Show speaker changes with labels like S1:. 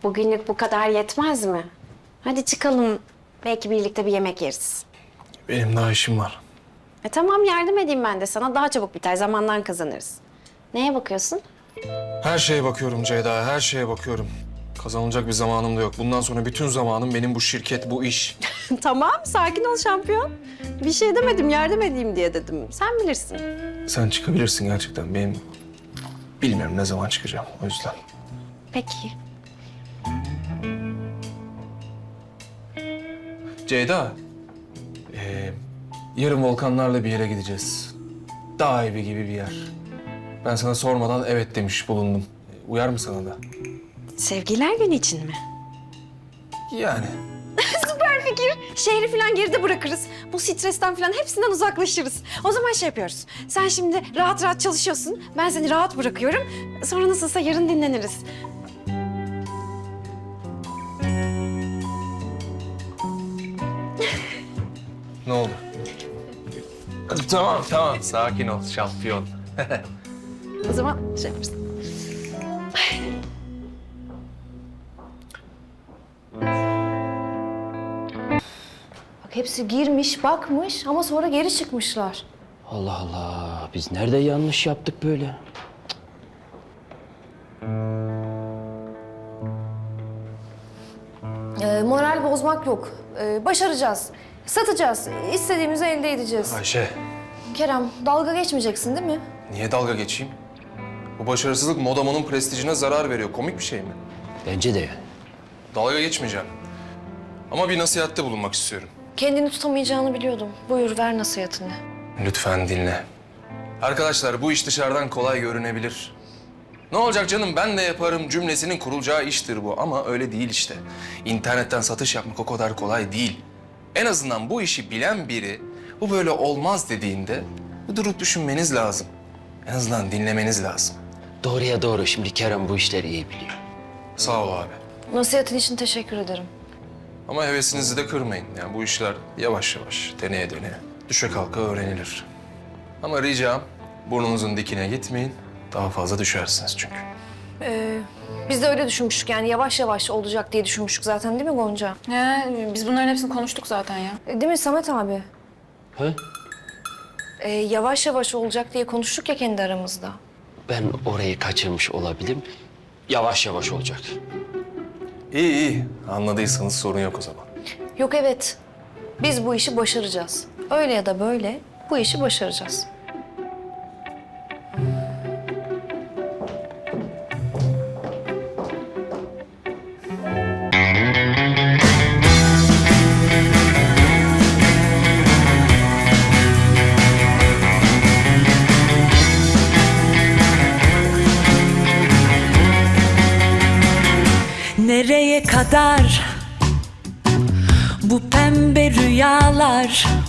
S1: Bugünlük bu kadar yetmez mi? Hadi çıkalım. Belki birlikte bir yemek yeriz.
S2: Benim daha işim var.
S1: Tamam yardım edeyim ben de sana. Daha çabuk biter. Zamandan kazanırız. Neye bakıyorsun?
S2: Her şeye bakıyorum Ceyda, her şeye bakıyorum. Kazanılacak bir zamanım da yok. Bundan sonra bütün zamanım benim bu şirket, bu iş.
S1: Tamam sakin ol şampiyon. Bir şey demedim yardım edeyim diye dedim. Sen bilirsin.
S2: Sen çıkabilirsin gerçekten. Benim bilmiyorum ne zaman çıkacağım o yüzden.
S1: Peki.
S2: Ceyda, yarın volkanlarla bir yere gideceğiz. Dağ evi gibi bir yer. Ben sana sormadan evet demiş bulundum. Uyar mı sana da?
S1: Sevgililer günü için mi?
S2: Yani.
S1: Süper fikir. Şehri falan geride bırakırız. Bu stresten falan hepsinden uzaklaşırız. O zaman şey yapıyoruz. Sen şimdi rahat rahat çalışıyorsun. Ben seni rahat bırakıyorum. Sonra nasılsa yarın dinleniriz.
S2: Ne oldu? Tamam, tamam. Sakin ol şampiyon.
S1: O zaman şey yaparız.
S3: Bak hepsi girmiş, bakmış ama sonra geri çıkmışlar.
S4: Allah Allah. Biz nerede yanlış yaptık böyle?
S3: Moral bozmak yok. Başaracağız. Satacağız. İstediğimizi elde edeceğiz.
S2: Ayşe,
S3: Kerem, dalga geçmeyeceksin değil mi?
S2: niye dalga geçeyim? Bu başarısızlık Modamo'nun prestijine zarar veriyor. Komik bir şey mi?
S4: Bence de yani.
S2: Dalga geçmeyeceğim. Ama bir nasihatte bulunmak istiyorum.
S3: Kendini tutamayacağını biliyordum. Buyur, ver nasihatini.
S2: Lütfen dinle. Arkadaşlar bu iş dışarıdan kolay görünebilir. Ne olacak canım ben de yaparım cümlesinin kurulacağı iştir bu ama öyle değil işte. İnternetten satış yapmak o kadar kolay değil. En azından bu işi bilen biri bu böyle olmaz dediğinde bir durup düşünmeniz lazım. En azından dinlemeniz lazım.
S4: Doğruya doğru. Şimdi Kerem bu işleri iyi biliyor.
S2: Sağ ol abi.
S3: Nasihatin için teşekkür ederim.
S2: Ama hevesinizi de kırmayın. Yani bu işler yavaş yavaş, deneye deneye, düşe kalka öğrenilir. Ama ricam burnunuzun dikine gitmeyin. Daha fazla düşersiniz çünkü.
S3: Biz de öyle düşünmüştük yani yavaş yavaş olacak diye düşünmüştük zaten değil mi Gonca?
S5: Biz bunların hepsini konuştuk zaten ya.
S3: Değil mi Samet abi?
S4: He?
S3: Yavaş yavaş olacak diye konuştuk ya kendi aramızda.
S4: Ben orayı kaçırmış olabilirim. Yavaş yavaş olacak.
S2: İyi iyi. Anladıysanız sorun yok o zaman.
S3: Yok evet, biz bu işi başaracağız. Öyle ya da böyle bu işi başaracağız.
S6: Nereye kadar bu pembe rüyalar?